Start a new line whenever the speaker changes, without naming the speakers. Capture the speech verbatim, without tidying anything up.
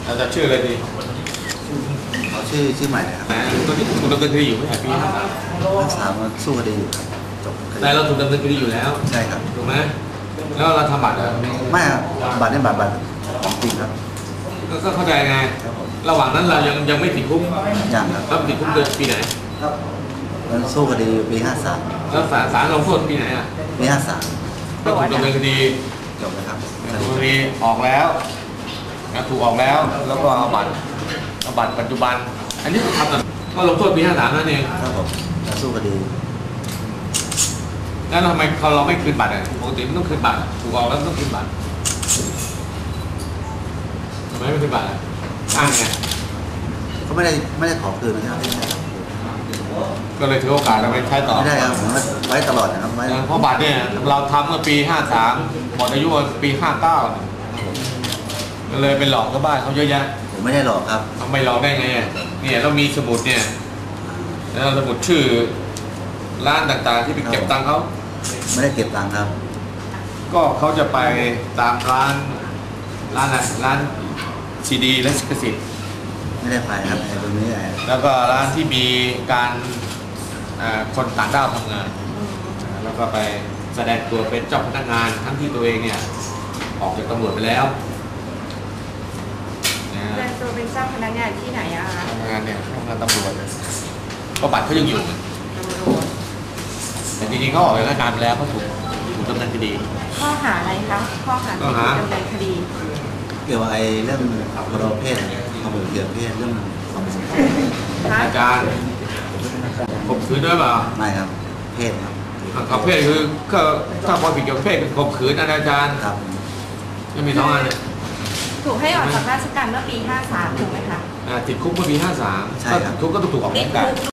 เราจะชื่ออะไรดี
เขาชื่อชื่อใหม่เลยครับ
ตัวนี้ถูกดำเนินคดีอยู่ไม่ใช่ปีห้าสาม
ห้าสามมันสู้คดีอยู่ครับจบ
แต่เราถูกดำเนินคดีอยู่แล้ว
ใช่ครับ
ถูกไหมแล้วเราทำบัตรเหรอ
ไม่ครับบัตรนี่บัตรบัตรของจริงครับ
ก็เข้าใจไงระหว่างนั้นเรายังยังไม่ติดคุก
ยังครับ
แล้วติดคุกเดือนปีไหน
มันสู้คดีปีห้าสาม
แล้วศาลศาลลงโทษปีไหนอ่ะ
ปีห้าสาม
ก็ถูกดำเนินคดี
จบนะครับ
คดีออกแล้วถูกออกแล้วแล้วก็เอาบัตรเอาบัตรปัจจุบันอันนี้ทำก็ลงโทษปีห้าสามนั่นเอง
ครับผมจะสู้คดี
แล้วทำไมเขาเราไม่คืนบัตรอ่ะปกติมันต้องคืนบัตรถูกออกแล้วต้องคืนบัตรทำไมไม่คืนบัตรอ่ะอ้างไง
เขาไม่ได้ไม่ได้ขอคืนนะครับ
ก็เลยถือโอกาสเราไปใช้ต่อ
ไม่ได้ครับผมไว้ตลอดนะครับไว้
เพราะบัตรเนี่ยเราทำเมื่อปีห้าสามหมดอายุปีห้าเก้าก็เลยไปหลอกก็บ้านเขาเยอะแยะ
ผมไม่ได้หลอกครับ
ทำไมหลอกได้ไงเนี่ยเรามีสมุดเนี่ยแล้วสมุดชื่อร้านต่างๆที่ไปเก็บตังค์เขา
ไม่ได้เก็บตังค์ครับ
ก็เขาจะไปตามร้านร้านอะไรร้านซีดีและสิทธิ์
ไม่ได้ไปครับไอ้ตรงนี้
แล้วก็ร้านที่มีการคนต่างด้าวทำงานแล้วก็ไปแสดงตัวเป็นเจ้าพนักงานทั้งที่ตัวเองเนี่ยออกจากตำรวจไปแล้ว
แสดงตัวเป็นเจ้าพนักงานที่ไหนอะคะ
ทำงานเนี่ยทำงานตำรวจก็บัตรเขายังอยู่แต่จริงๆเขาออกจากราชการไปแล้วเขาถูกถูกดำเนินคดี
ข้อหาอะไรคะข้อหาถูกดำเนินคดี
เกี่ยวกับไอ้เรื่องพรบเพศความเหลื่อมเพศเรื่องความเป็น
อาจารย์ข่มขืนด้วยเปล่า
ไม่ครับเพศครับ
กับเพศคือก็ถ้าพอผิดเกี่ยวกับเพศเป็นข่มขืนอนาจาร
ครับ
จะมีสองอันเนี่ย
ถูกให้ออกจากราชการเมื่อปีห้าสามถูกไหมคะ
ติดคุกเมื่อปีห้าสาม
ใช่ครับ
ทุกก็ต้องถูกออกจากราชการ